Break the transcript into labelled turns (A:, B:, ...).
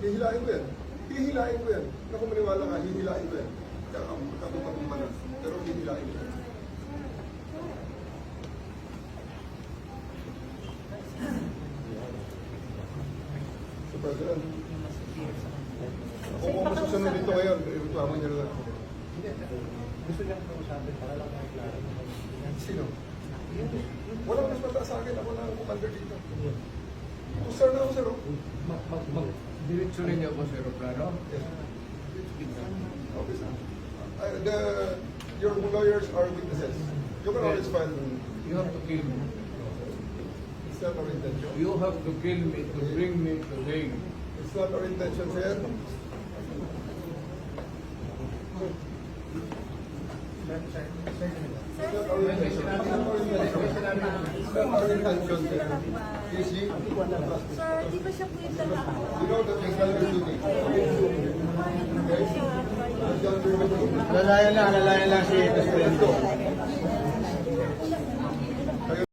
A: Hihilain ko yan. Hihilain ko yan. Naku, maniwala ka, hihilain ko yan. Kakapag manas. Pero hihilain ko yan. So, President, kung masusunod dito ngayon, reklamo niya lang ako.
B: Gusto niyang kausapin para lang maklaro.
A: Sino? Walang mas mataas sa akin. Ako na ang commander dito. Sir na ako, sir.
B: Diretso rin niyo ako sa aeroplano.
A: Yes. Okay, sir. Your lawyers are witnesses. You can always file.
B: You have to kill me.
A: It's not our intention.
B: You have to kill me to bring me to Hague.
A: It's not our intention, sir. It's not our intention. It's not our intention, sir. You see?
C: Sir, di ba siya po yung lalaki?
A: You know that you've done your duty. Okay? You've done your duty.
D: Lalayan lang si Presidente.